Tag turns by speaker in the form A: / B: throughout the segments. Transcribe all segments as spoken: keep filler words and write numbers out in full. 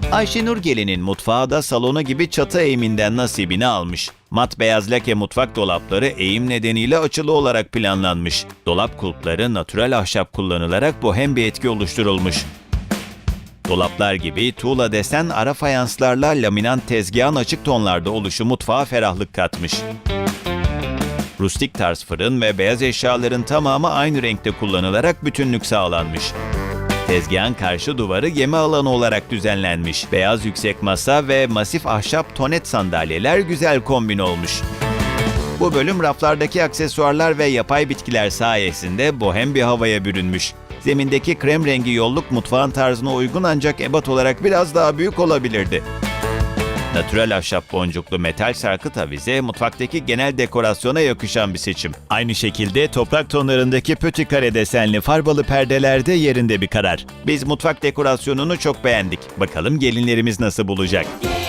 A: Ayşenur Gelin'in mutfağı da salonu gibi çatı eğiminden nasibini almış. Mat beyaz lake mutfak dolapları eğim nedeniyle açılı olarak planlanmış. Dolap kulpları natürel ahşap kullanılarak bohem bir etki oluşturulmuş. Dolaplar gibi tuğla desen ara fayanslarla laminant tezgahın açık tonlarda oluşu mutfağa ferahlık katmış. Rustik tarz fırın ve beyaz eşyaların tamamı aynı renkte kullanılarak bütünlük sağlanmış. Tezgahın karşı duvarı yeme alanı olarak düzenlenmiş. Beyaz yüksek masa ve masif ahşap tonet sandalyeler güzel kombin olmuş. Bu bölüm raflardaki aksesuarlar ve yapay bitkiler sayesinde bohem bir havaya bürünmüş. Zemindeki krem rengi yolluk mutfağın tarzına uygun ancak ebat olarak biraz daha büyük olabilirdi. Natürel ahşap boncuklu metal sarkıt avize mutfaktaki genel dekorasyona yakışan bir seçim. Aynı şekilde toprak tonlarındaki pötü kare desenli farbalı perdeler de yerinde bir karar. Biz mutfak dekorasyonunu çok beğendik. Bakalım gelinlerimiz nasıl bulacak?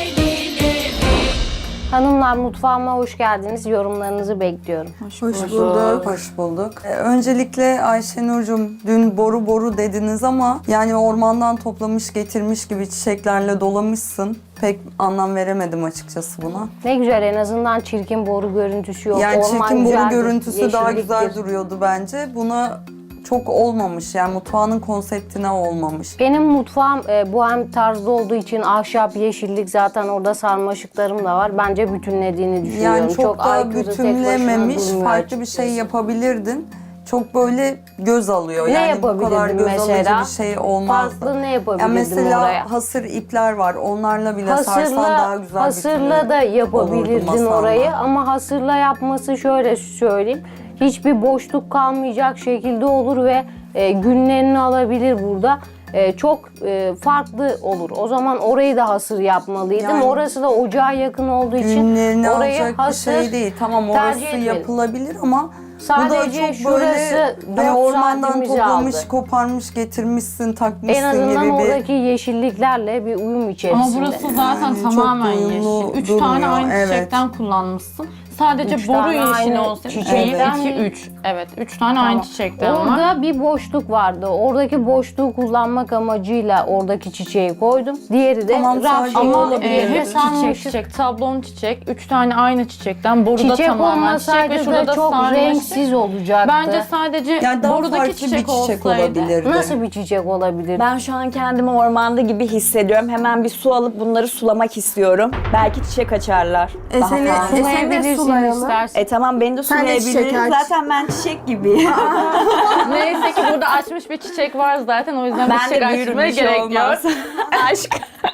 B: Hanımlar, mutfağıma hoş geldiniz. Yorumlarınızı bekliyorum.
C: Hoş bulduk.
D: Hoş bulduk. Ee, öncelikle Ayşenur'cum dün boru boru dediniz ama yani ormandan toplamış getirmiş gibi çiçeklerle dolamışsın. Pek anlam veremedim açıkçası buna.
B: Ne güzel, en azından çirkin boru görüntüsü yok.
D: Yani
B: Orman
D: çirkin boru
B: güzeldir,
D: görüntüsü daha
B: yeşilliktir.
D: güzel duruyordu bence. Buna çok olmamış yani mutfağının konseptine olmamış.
B: Benim mutfağım e, bohem tarzda olduğu için ahşap, yeşillik, zaten orada sarmaşıklarım da var. Bence bütünlediğini düşünüyorum.
D: Yani çok, da
B: aykırı, tek başına
D: bütünlememiş,
B: durmuyor
D: farklı bir
B: açıkçası.
D: şey yapabilirdin. Çok böyle göz alıyor.
B: Ne
D: yani bu kadar
B: yapabilirdim
D: göz
B: mesela?
D: alıcı bir şey olmazdı.
B: Farklı ne yapabilirdim
D: Yani mesela
B: oraya?
D: hasır ipler var. Onlarla bile sarsan daha
B: Hasırla,
D: güzel
B: hasırla da
D: olurdu
B: yapabilirdin
D: masanda.
B: orayı ama hasırla yapması şöyle söyleyeyim. Hiçbir boşluk kalmayacak şekilde olur ve e, günlerini alabilir burada. E, çok e, farklı olur. O zaman orayı da hasır yapmalıydım.
D: Yani
B: Orası da ocağa yakın olduğu için
D: Günlerini
B: orayı
D: alacak bir
B: hasır
D: şey değil. Tamam
B: tercih
D: orası
B: etmedim.
D: yapılabilir ama
B: Sadece
D: bu da çok
B: şurası
D: böyle
B: dört
D: hani ormandan
B: saatimizi
D: toplamış,
B: aldı.
D: koparmış, getirmişsin, takmışsın
B: En azından
D: gibi bir...
B: oradaki yeşilliklerle bir uyum içerisinde.
C: Ama burası zaten
D: Yani çok
C: tamamen
D: uyumlu
C: yeşil. Üç
D: durmuyor,
C: tane aynı
D: evet.
C: çiçekten kullanmışsın. Sadece
B: Üç
C: boru
B: tane
C: yeşili
B: aynı
C: olsaydı.
B: çiçekten
C: iki,
B: mi?
C: üç. Evet, üç tane aynı çiçekten var.
B: Orada bir boşluk vardı. Oradaki boşluğu kullanmak amacıyla oradaki çiçeği koydum. Diğeri de
D: Tamam,
B: raf
D: sadece
B: şeyi
C: Ama
B: olabilir.
C: e, hep
B: Sarmaşık.
C: çiçek çiçek, tablon çiçek, üç tane aynı çiçekten, boruda
B: Çiçek
C: tamamen çiçek ve
B: olmasaydı
C: şurada
B: da
C: da
B: çok
C: sarmaşık.
B: renksiz olacaktı.
C: Bence sadece
D: Yani daha
C: borudaki
D: farklı
C: çiçek,
D: bir çiçek
C: olsaydı.
D: olabilirdi.
B: Nasıl bir çiçek olabilir?
E: Ben şu an kendimi ormanda gibi hissediyorum. Hemen bir su alıp bunları sulamak istiyorum. Belki çiçek açarlar.
F: E
E: Daha
F: seni,
E: fazla.
F: e seni de
B: Sulayabilirsin
F: sulayalım.
B: istersen.
E: E tamam beni de
F: Sen de çiçek
E: sulayabiliriz.
F: aç.
E: Zaten ben çiçek gibiyim.
C: Neyse ki burada açmış bir çiçek var zaten, o yüzden bir
E: ben
C: çiçek
E: de büyürüm,
C: açmaya
E: bir şey
C: gerek yok.
E: olmaz. Aşk.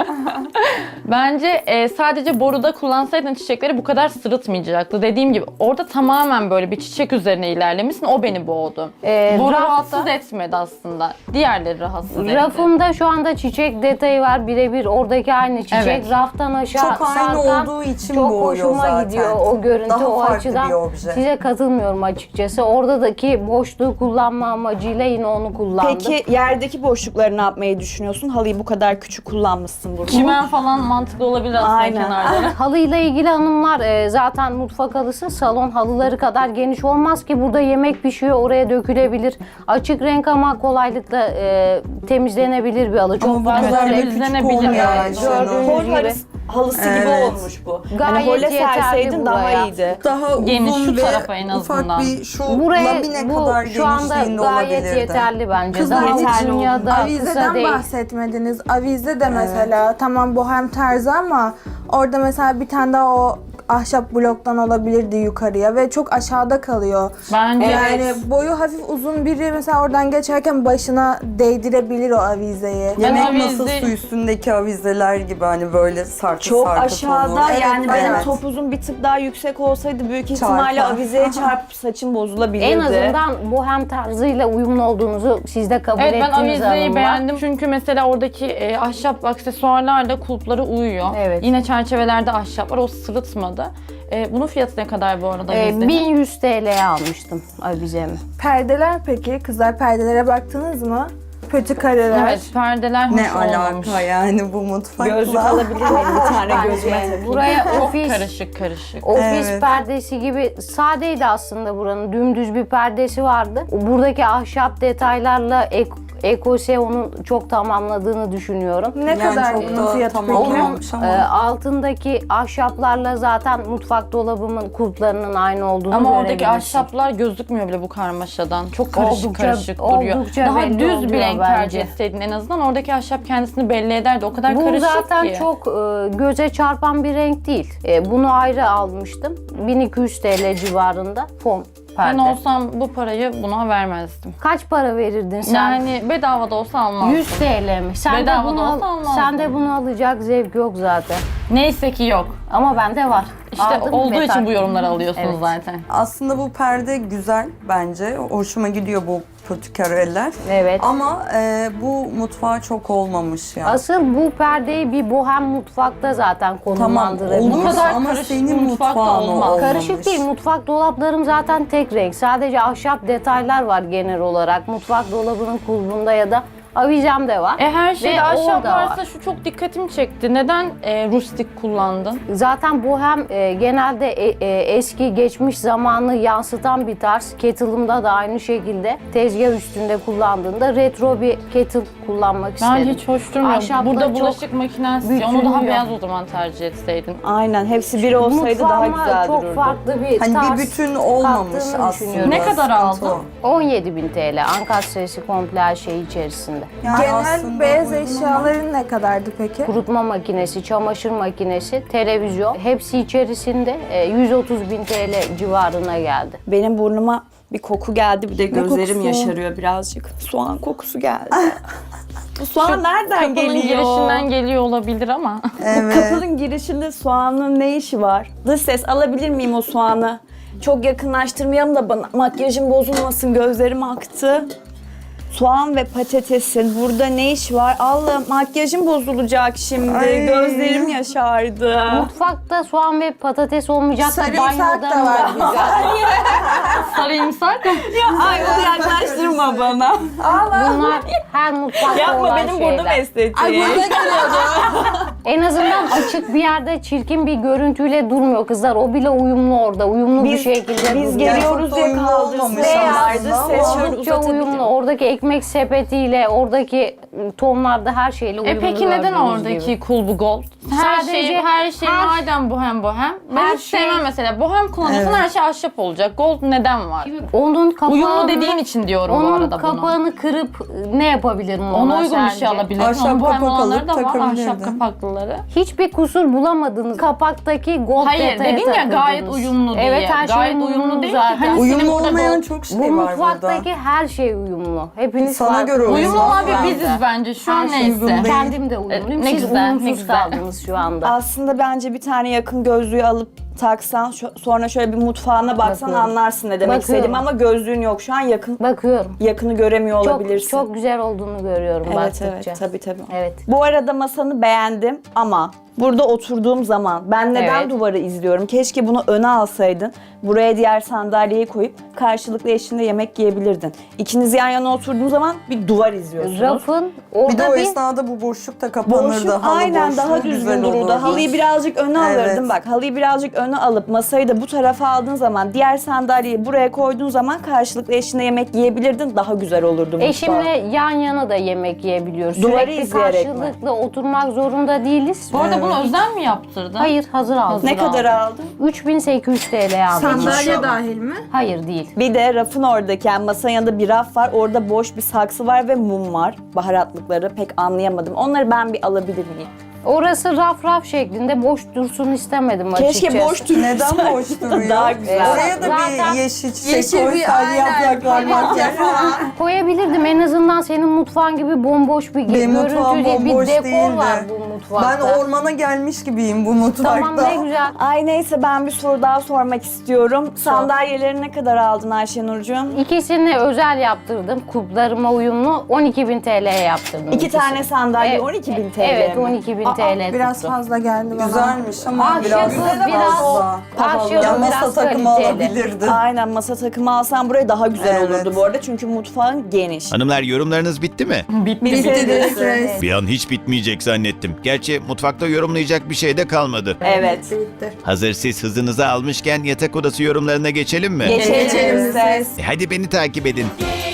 C: Bence e, sadece boruda kullansaydın çiçekleri bu kadar sırıtmayacaktı. Dediğim gibi orada tamamen böyle bir çiçek üzerine ilerlemişsin, o beni boğdu.
B: Ee,
C: Boru
B: rafta-
C: rahatsız etmedi aslında. Diğerleri rahatsız etti.
B: Rafımda şu anda çiçek detayı var, birebir oradaki aynı çiçek.
C: Evet.
B: Raftan aşağı
D: Çok aynı
B: sarkan
D: olduğu için
B: çok
D: boğuyor
B: hoşuma
D: zaten.
B: gidiyor o görüntü,
D: Daha
B: o
D: farklı
B: açıdan.
D: bir obje.
B: Size katılmıyorum açıkçası. Oradaki boşluğu kullanma amacıyla yine onu kullandım.
E: Peki yerdeki boşlukları ne yapmayı düşünüyorsun? Halıyı bu kadar küçük kullanmışsın burada.
C: Çimen falan mantıklı olabilir aslında
E: Aynen.
C: kenarları.
B: Halıyla ilgili hanımlar, e, zaten mutfak halısı salon halıları kadar geniş olmaz ki, burada yemek pişiyor, oraya dökülebilir. Açık renk ama kolaylıkla e, temizlenebilir bir halı. Çok
D: Ama bu
B: fazla
D: kadar da
B: renk-
D: küçük
C: temizlenebilir
D: olmuyor
C: yani.
D: Ayşenur.
B: Gördüğünüz
E: Hol
B: gibi.
E: halısı, halısı gibi
D: Evet.
E: olmuş bu.
B: Gayet
E: hani hole
B: yeterli
E: serseydin daha
B: buraya.
E: iyiydi.
D: Daha
C: Geniş,
D: uzun
C: şu
D: ve
C: tarafa en
D: ufak
C: azından.
D: bir şu
B: Buraya
D: lamine
B: bu
D: kadar
B: şu anda
D: genişliğinde
B: gayet
D: olabilirdi.
B: yeterli bence.
F: Kızlar
B: Daha
F: hiç
B: uzun ya da kısa
F: Avizeden
B: değil.
F: bahsetmediniz. Avize de mesela tamam bohem tarzı ama orada mesela bir tane daha o ahşap bloktan olabilirdi yukarıya ve çok aşağıda kalıyor.
C: Bence
F: Yani boyu hafif uzun biri mesela oradan geçerken başına değdirebilir o avizeyi.
D: Yemek
C: avize-
D: masası üstündeki avizeler gibi hani böyle sarkı
E: Çok
D: sarkı
E: aşağıda
D: tonu.
E: yani
D: Evet,
E: benim
D: evet.
E: topuzum bir tık daha yüksek olsaydı büyük ihtimalle
D: Çarpar.
E: avizeye çarpıp saçım bozulabilirdi.
B: En azından bohem tarzıyla uyumlu olduğunuzu siz de kabul
C: evet, ben
B: ettiniz
C: avizeyi
B: hanımlar.
C: beğendim çünkü mesela oradaki e, ahşap aksesuarlarla kulpları uyuyor.
B: Evet.
C: Yine çerçevelerde ahşap var, o sırıtmadı. E, bunun fiyatı ne kadar bu arada?
B: Ee,
C: avizenin?
B: bin yüz T L'ye almıştım avizemi.
F: Perdeler peki? Kızlar perdelere baktınız mı? Pötü kareler.
C: Evet, perdeler hoş
D: Ne
C: olmamış.
D: alaka yani bu mutfakla?
E: Gözlük alabilir miyim bir tane gözüme?
B: Bence buraya
C: Çok
B: ofis
C: karışık karışık.
B: ofis
D: Evet.
B: perdesi gibi sadeydi aslında buranın. Dümdüz bir perdesi vardı. Buradaki ahşap detaylarla ek, Ekose onun çok tamamladığını düşünüyorum.
F: Ne
D: Yani
F: kadar
D: çok
F: bunun
D: da
F: fiyatı
D: tamam
F: peki?
B: Onun
D: olmamış ama.
B: e, altındaki ahşaplarla zaten mutfak dolabımın kulplarının aynı olduğunu
C: Ama oradaki
B: görebilirsin.
C: ahşaplar gözükmüyor bile bu karmaşadan. Çok karışık
B: Oldukça-
C: karışık duruyor.
B: oldukça
C: Daha
B: belli
C: düz
B: oluyor
C: bir renk
B: bence.
C: tercih etseydin en azından oradaki ahşap kendisini belli ederdi. O kadar
B: Bu
C: karışık
B: zaten
C: ki.
B: çok e, göze çarpan bir renk değil. E, bunu ayrı almıştım. bin iki yüz T L civarında fon perde.
C: Ben olsam bu parayı buna vermezdim.
B: Kaç para verirdin sen?
C: Yani bedava da olsa almazdım.
B: yüz T L mi? Sen de
C: Bedava
B: bunu
C: da
B: al-
C: olsa almazdım.
B: sen de bunu alacak zevk yok zaten.
C: Neyse ki yok.
B: Ama bende var.
C: İşte
B: Aldım
C: olduğu
B: ve
C: için
B: taktım.
C: bu yorumları alıyorsunuz
B: Evet.
C: zaten.
D: Aslında bu perde güzel bence. Hoşuma gidiyor bu pötükareller.
B: Evet.
D: Ama e, bu mutfağa çok olmamış ya.
B: Asıl bu perdeyi bir bohem mutfakta zaten
D: Tamam
B: konumlandırabilir.
D: olur
C: Bu kadar
D: ama
C: karışık
D: senin
C: bir mutfakta
D: mutfağın
C: olmaz.
D: olmamış.
B: Karışık değil. Mutfak dolaplarım zaten tek renk. Sadece ahşap detaylar var genel olarak. Mutfak dolabının kulbunda ya da avizem de var.
C: E her şeyde
B: Ve
C: ahşap
B: orada var.
C: varsa şu çok dikkatimi çekti. Neden e, rustik kullandın?
B: Zaten bohem e, genelde e, e, eski geçmiş zamanı yansıtan bir tarz. Kettle'ımda da aynı şekilde tezgah üstünde kullandığında retro bir kettle kullanmak
C: Ben
B: istedim.
C: hiç hoş durmuyor.
B: Ahşapla
C: Burada
B: çok
C: bulaşık makinesi. Onu daha
B: bütünlüyor.
C: beyaz o zaman tercih etseydin.
E: Aynen hepsi bir olsaydı daha
B: Mutfağıma
E: güzel
B: çok
E: dururdu.
B: farklı bir
D: Hani
B: tarz
D: bir bütün olmamış
B: kattığını
D: aslında.
B: düşünüyorum.
C: Ne kadar
D: Sıkıntı
C: aldın?
D: o.
B: on yedi bin T L ankastresi komple her şey içerisinde.
D: Yani
F: Genel
D: aslında
F: beyaz
D: uygun ama-
F: eşyaların ne kadardı peki?
B: Kurutma makinesi, çamaşır makinesi, televizyon hepsi içerisinde e, yüz otuz bin T L civarına geldi.
E: Benim burnuma bir koku geldi, bir de gözlerim
D: kokusu?
E: yaşarıyor birazcık. Soğan kokusu geldi. Bu soğan nereden
C: Kapının
E: geliyor?
C: girişinden geliyor olabilir ama.
D: Evet.
E: Kapının girişinde soğanın ne işi var? Dış ses alabilir miyim o soğanı? Çok yakınlaştırmayalım da bana makyajım bozulmasın, gözlerim aktı. Soğan ve patatesin burada ne iş var? Allah makyajım bozulacak şimdi.
D: Ay.
E: Gözlerim yaşardı.
B: Mutfakta soğan ve patates olmayacak da
F: Sarımsak
B: banyoda
F: da
B: mı
F: var.
B: olacak?
C: Sarımsak.
E: Ay onu yaklaştırma bana.
B: Bunlar her mutfakta
E: Yapma
B: olan
E: benim
B: şeyler.
E: burnum estetiği.
F: Ay burada geliyordu.
B: En azından açık bir yerde çirkin bir görüntüyle durmuyor kızlar. O bile uyumlu orada. Uyumlu bir
E: Biz,
B: şekilde
E: biz
B: duruyor.
E: geliyoruz
D: Çok da
E: diye
D: uyumlu
E: kaldırsın.
D: olmamış
E: Beyazdı
D: aslında
E: ses
D: ama
E: şöyle
B: Oldukça uyumlu.
E: uzatabilirim.
B: Oradaki ekmek sepetiyle, oradaki tonlarda her şeyle uyumlu.
C: E peki neden
B: gördüğünüz
C: oradaki
B: gibi.
C: kulbu gold? Her
B: Sadece
C: şey her şey
B: her-
C: madem bohem bohem. Ben
B: Her
C: hiç
B: şey-
C: sevmem mesela. Bohem kullanıyorsan
D: Evet.
C: her şey ahşap olacak. Gold neden var?
B: Onun kapağını,
C: Uyumlu dediğin için diyorum bu
B: onun
C: arada bunu.
B: kapağını kırıp ne yapabilirim ona
C: Ona uygun bir şey
B: sence?
C: alabilirdin.
D: Ahşap
C: Onun bohem
D: kapak
C: olanları
D: alıp
C: da var.
D: takabilirdin.
C: Ahşap kapaklıları.
B: Hiçbir kusur bulamadınız. Kapaktaki gold
C: Hayır
B: detaya
C: dedin ya
B: takıldınız.
C: gayet uyumlu diye.
B: Evet her şey
C: gayet
B: uyumlu,
C: uyumlu değil
B: zaten.
C: ki. Hani
D: Uyumlu
C: senin burada
D: olmayan
C: gold-
D: çok şey
B: Bu
D: var burada.
B: mutfaktaki her şey uyumlu. Hepiniz
D: Sana
B: farklı.
D: göre uyumlu.
C: Uyumlu olan bir
B: Ben de.
C: biziz bence. Şu an
B: Her şey
C: neyse.
D: uyumlu değil.
B: Kendim de uyumluyum.
C: Ne
B: Siz
C: güzel, ne
B: uyumsuz
C: güzel.
B: kaldınız şu anda.
E: Aslında bence bir tane yakın gözlüğü alıp taksan, şu- sonra şöyle bir mutfağına baksan
B: Bakıyorum.
E: anlarsın ne demek
B: Bakıyorum.
E: istediğimi ama gözlüğün yok şu an yakın
B: Bakıyorum.
E: yakını göremiyor
B: Çok,
E: olabilirsin.
B: çok güzel olduğunu görüyorum
E: evet
B: baktıkça.
E: evet tabii tabii.
B: Evet.
E: Bu arada masanı beğendim ama burada oturduğum zaman ben neden
B: Evet.
E: duvarı izliyorum? Keşke bunu öne alsaydın. Buraya diğer sandalyeyi koyup karşılıklı eşinde yemek yiyebilirdin. İkiniz yan yana oturduğunuz zaman bir duvar izliyorsunuz.
B: Rafın
D: Bir de
B: orada
D: o
B: bir,
D: esnada bu boşluk da kapanırdı.
E: Boşluk
D: Halı
E: aynen
D: boşluğu
E: daha
D: güzel
E: düzgün dururdu.
D: olurdu.
E: Halıyı birazcık öne
D: Evet.
E: alırdın bak. Halıyı birazcık öne alıp masayı da bu tarafa aldığın zaman diğer sandalyeyi buraya koyduğun zaman karşılıklı eşine yemek yiyebilirdin. Daha güzel olurdu mutfağı.
B: eşimle yan yana da yemek yiyebiliyoruz.
E: Duvarı
B: Sürekli
E: izleyerek mi?
B: karşılıklı oturmak zorunda değiliz.
C: Bu arada bunu özel mi yaptırdın?
B: Hayır hazır aldım.
E: Ne kadar aldın?
B: üç bin sekiz yüz T L aldım.
F: Sandalye dahil mi?
B: Hayır değil.
E: Bir de rafın oradaki yani masanın yanında bir raf var. Orada boş bir saksı var ve mum var. Baharatlıkları pek anlayamadım. Onları ben bir alabilir miyim?
B: Orası raf raf şeklinde boş dursun istemedim açıkçası.
E: Keşke boş dursa.
D: Neden boş duruyor?
E: Daha güzel.
D: Oraya da
B: Zaten
D: bir yeşil çiçek
F: Yeşil bir
D: koysaydın
F: aynen.
D: yapacaklar makyaj.
B: Koyabilirdim en azından senin mutfağın gibi bomboş bir
D: Benim
B: görüntü
D: mutfağım
B: değil. Bir
D: bomboş
B: dekor
D: değildi.
B: var bu mutfakta.
D: Ben ormana gelmiş gibiyim bu mutfakta.
B: Tamam ne güzel.
E: Ay neyse ben bir soru daha sormak istiyorum. Sandalyeleri ne kadar aldın Ayşenurcuğum?
B: İkisini özel yaptırdım. Kuplarıma uyumlu on iki bin T L'ye yaptırdım.
E: İki
B: ikisini.
E: tane sandalye
B: Evet.
E: on iki bin T L
B: Evet
E: mi?
B: on iki bin
F: Aa,
B: T L
F: biraz
B: tuttu.
F: fazla geldi bana.
D: Güzelmiş ama
B: Ahşabı
D: biraz
B: biraz-
D: fazla.
B: Ahşabı
D: Ya
B: biraz
D: masa takımı
B: kaliteli.
D: alabilirdin.
E: Aynen masa takımı alsan buraya daha güzel
D: Evet.
E: olurdu bu arada çünkü mutfağın geniş.
A: Hanımlar yorumlarınız bitti mi?
C: Bitti.
F: Bitti.
A: Bir an hiç bitmeyecek zannettim. Gerçi mutfakta yorumlayacak bir şey de kalmadı.
E: Evet.
F: Bitti.
A: Hazır siz hızınızı almışken yatak odası yorumlarına geçelim mi?
E: Geçelim
F: Geçelim.
E: ses.
A: E hadi beni takip edin.